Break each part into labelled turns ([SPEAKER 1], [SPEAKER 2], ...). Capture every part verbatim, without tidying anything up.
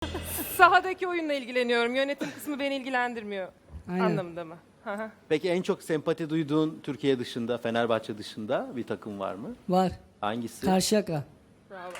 [SPEAKER 1] Sahadaki oyunla ilgileniyorum. Yönetim kısmı beni ilgilendirmiyor.
[SPEAKER 2] Aynen.
[SPEAKER 1] Anlamında mı? Hı hı.
[SPEAKER 3] Peki en çok sempati duyduğun Türkiye dışında, Fenerbahçe dışında bir takım var mı?
[SPEAKER 2] Var.
[SPEAKER 3] Hangisi?
[SPEAKER 2] Karşıyaka.
[SPEAKER 1] Bravo.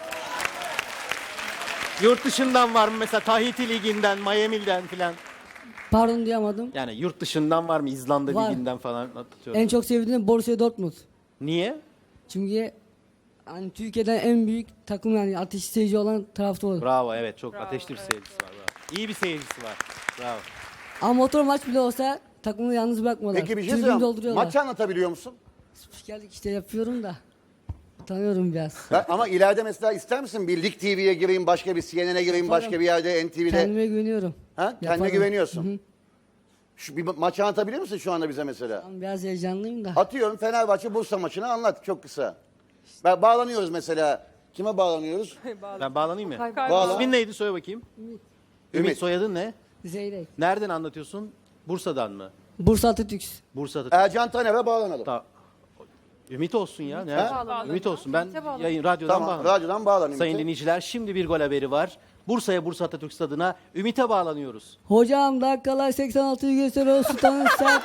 [SPEAKER 3] Yurt dışından var mı mesela Tahiti Ligi'nden, Miami'den filan?
[SPEAKER 2] Pardon duyamadım.
[SPEAKER 3] Yani yurt dışından var mı? İzlanda
[SPEAKER 2] Var.
[SPEAKER 3] Ligi'nden falan atıyorum.
[SPEAKER 2] En çok sevdiğim Borussia Dortmund.
[SPEAKER 3] Niye?
[SPEAKER 2] Çünkü hani Türkiye'den en büyük takım, yani ateşi seyirci olan taraftar.
[SPEAKER 3] Bravo, evet, çok
[SPEAKER 1] Bravo,
[SPEAKER 3] ateşli bir
[SPEAKER 1] evet,
[SPEAKER 3] seyircisi var. Bravo. İyi bir seyircisi var. Bravo.
[SPEAKER 2] Ama motor maç bile olsa takımı yalnız bırakmıyorlar.
[SPEAKER 4] Peki bir şey
[SPEAKER 2] Tribünü
[SPEAKER 4] söyleyeyim.
[SPEAKER 2] dolduruyorlar.
[SPEAKER 4] Maçı anlatabiliyor musun?
[SPEAKER 2] Spikerlik işte yapıyorum da. Tanıyorum biraz.
[SPEAKER 4] Ha, ama ileride mesela ister misin bir Lig T V'ye gireyim, başka bir C N N'e gireyim,
[SPEAKER 2] Yaparım.
[SPEAKER 4] başka bir yerde N T V'de?
[SPEAKER 2] Kendime güveniyorum.
[SPEAKER 4] Ha? Kendine
[SPEAKER 2] Yaparım.
[SPEAKER 4] güveniyorsun.
[SPEAKER 2] Hı hı.
[SPEAKER 4] Şu bir ma- maçı anlatabilir misin şu anda bize mesela?
[SPEAKER 2] Ben biraz heyecanlıyım da.
[SPEAKER 4] Atıyorum Fenerbahçe Bursa maçını anlat çok kısa. Ben bağlanıyoruz mesela. Kime bağlanıyoruz?
[SPEAKER 3] Ben bağlanayım mı?
[SPEAKER 1] Kaybolan.
[SPEAKER 4] Bağla.
[SPEAKER 3] İsmin neydi, söyle bakayım. Ümit.
[SPEAKER 4] Ümit.
[SPEAKER 3] Soyadın ne?
[SPEAKER 2] Zeyrek.
[SPEAKER 3] Nereden anlatıyorsun? Bursa'dan mı?
[SPEAKER 2] Bursa Atatürk.
[SPEAKER 3] Bursa'da.
[SPEAKER 4] Ercan Taner'e bağlanalım.
[SPEAKER 3] Ta- Ümit olsun ya. Ne?
[SPEAKER 1] Bağlanalım.
[SPEAKER 3] Ümit olsun. Ben
[SPEAKER 1] Ümit'e bağlanalım.
[SPEAKER 3] yayın radyodan
[SPEAKER 4] Tamam,
[SPEAKER 3] bağlanıyorum.
[SPEAKER 4] radyodan bağlanayım.
[SPEAKER 3] Sayın
[SPEAKER 4] Ümit.
[SPEAKER 3] dinleyiciler, şimdi bir gol haberi var. Bursa'ya, Bursa Atatürk Stadı'na Ümit'e bağlanıyoruz.
[SPEAKER 2] Hocam dakikalar seksen altıyı gösteriyor. Sultanın sert.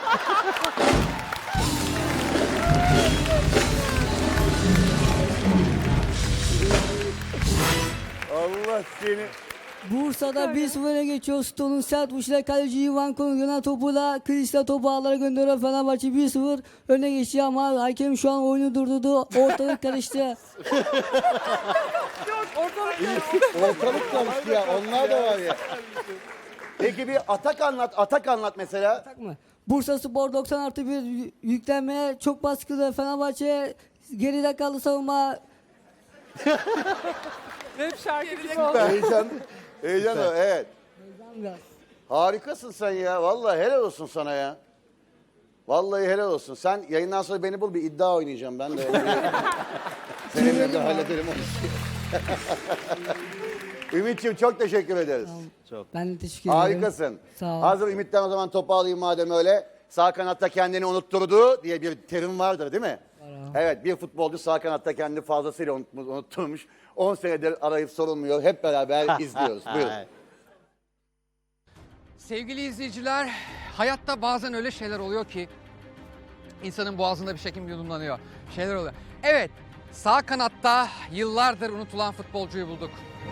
[SPEAKER 4] Allah seni.
[SPEAKER 2] Bursa'da bir sıfır öne geçiyor. Stone'un sert vuruşuyla kaleci Ivan Konu gelen topuyla Krista topu ağlara gönderiyor. Fenerbahçe bir sıfır öne geçiyor ama hakem şu an oyunu durdurdu. Ortalık karıştı.
[SPEAKER 4] Ortalık karıştı ya. Onlar da var ya. Peki bir atak anlat, atak anlat mesela.
[SPEAKER 2] Tak mı? Bursa Spor doksan artı bir yü- yüklenmeye çok baskılı. Fenerbahçe geride kaldı savunma.
[SPEAKER 1] Rap şarkı gibi oldu.
[SPEAKER 4] Heyecan, heyecan o, evet.
[SPEAKER 2] Heyecan biraz.
[SPEAKER 4] Harikasın sen ya. Vallahi helal olsun sana ya. Vallahi helal olsun. Sen yayından sonra beni bul, bir iddia oynayacağım ben de. Seninle de hallederim onu. Ümit'ciğim çok teşekkür ederiz.
[SPEAKER 3] Çok.
[SPEAKER 2] Ben de teşekkür ederim.
[SPEAKER 4] Harikasın.
[SPEAKER 2] Sağ ol.
[SPEAKER 4] Hazır Ümit'ten o zaman topu alayım madem öyle. Sağ kanatta kendini unutturdu diye bir terim vardır değil mi? Evet, bir futbolcu sağ kanatta kendini fazlasıyla unutmuş, unutturmuş. on senedir arayıp sorulmuyor. Hep beraber izliyoruz. Buyurun.
[SPEAKER 5] Sevgili izleyiciler, hayatta bazen öyle şeyler oluyor ki insanın boğazında bir şekilde yudumlanıyor. Şeyler oluyor. Evet, sağ kanatta yıllardır unutulan futbolcuyu bulduk.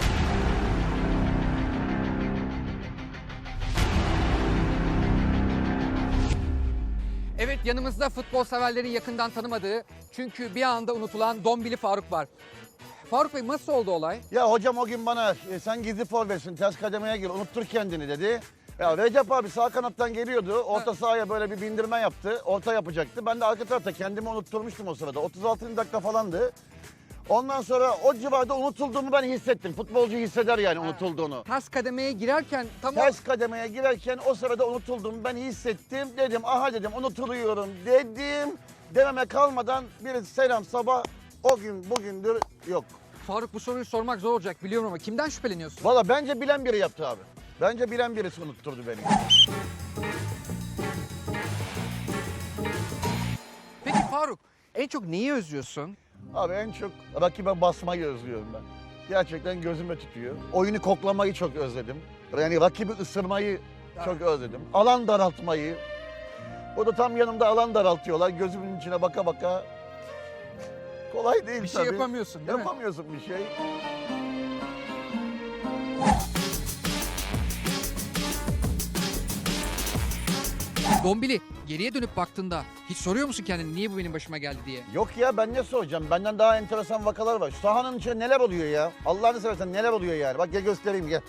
[SPEAKER 5] Evet, yanımızda futbol severlerin yakından tanımadığı, çünkü bir anda unutulan Dombili Faruk var. Faruk Bey, nasıl oldu olay?
[SPEAKER 4] Ya hocam o gün bana e, sen gizli forvetsin, ters kademeye gir, unuttur kendini dedi. Ya Recep abi sağ kanattan geliyordu. Orta sahaya böyle bir bindirme yaptı. Orta yapacaktı. Ben de arka tarafta kendimi unutturmuştum o sırada. otuz altıncı dakika falandı. Ondan sonra o civarda unutulduğumu ben hissettim. Futbolcu hisseder yani unutulduğunu.
[SPEAKER 5] Ters kademeye girerken tam o...
[SPEAKER 4] Ters kademeye girerken o sırada unutulduğumu ben hissettim. Dedim aha dedim unutuluyorum dedim. Dememe kalmadan bir selam sabah o gün bugündür yok.
[SPEAKER 5] Faruk, bu soruyu sormak zor olacak biliyorum ama kimden şüpheleniyorsun?
[SPEAKER 4] Valla bence bilen biri yaptı abi. Bence bilen birisi unutturdu beni.
[SPEAKER 5] Peki Faruk, en çok neyi özlüyorsun?
[SPEAKER 4] Abi en çok rakibe basmayı özlüyorum ben. Gerçekten gözüme tutuyor. Oyunu koklamayı çok özledim. Yani rakibi ısırmayı çok özledim. Alan daraltmayı. O da tam yanımda alan daraltıyorlar. Gözümün içine baka baka. Kolay değil
[SPEAKER 5] Bir
[SPEAKER 4] tabii.
[SPEAKER 5] şey yapamıyorsun değil mi?
[SPEAKER 4] Yapamıyorsun bir şey.
[SPEAKER 5] Dombili, geriye dönüp baktığında hiç soruyor musun kendine niye bu benim başıma geldi diye?
[SPEAKER 4] Yok ya ben ne soracağım? Benden daha enteresan vakalar var. Şu sahanın içinde neler oluyor ya? Allah'ını seversen neler oluyor yani? Bak gel göstereyim gel.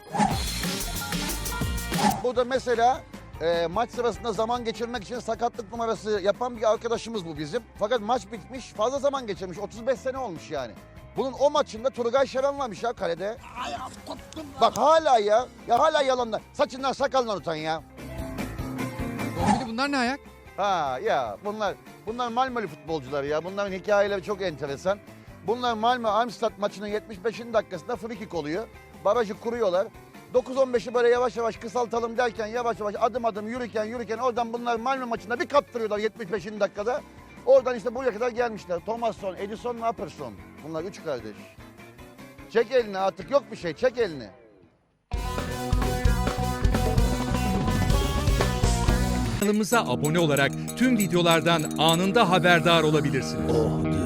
[SPEAKER 4] Burada mesela e, maç sırasında zaman geçirmek için sakatlık numarası yapan bir arkadaşımız bu bizim. Fakat maç bitmiş, fazla zaman geçirmiş. otuz beş sene olmuş yani. Bunun o maçında Turgay Şeran varmış ya kalede. Bak hala ya, ya hala yalanlar. Saçından sakalından utan ya.
[SPEAKER 5] Dombili, bunlar ne ayak?
[SPEAKER 4] Ha ya bunlar bunlar Malmö'lü futbolcular ya. Bunların hikayeleri çok enteresan. Bunlar Malmö Armstad maçının yetmiş beşinci dakikasında free kick oluyor. Barajı kuruyorlar. dokuz on beşi böyle yavaş yavaş kısaltalım derken yavaş yavaş adım adım yürürken yürürken oradan bunlar Malmö maçında bir kaptırıyorlar yetmiş beşinci dakikada. Oradan işte buraya kadar gelmişler. Thomasson, Edison, Napperson. Bunlar üç kardeş. Çek elini artık yok bir şey çek elini.
[SPEAKER 6] Kanalımıza abone olarak tüm videolardan anında haberdar olabilirsiniz.
[SPEAKER 7] Oh diyor.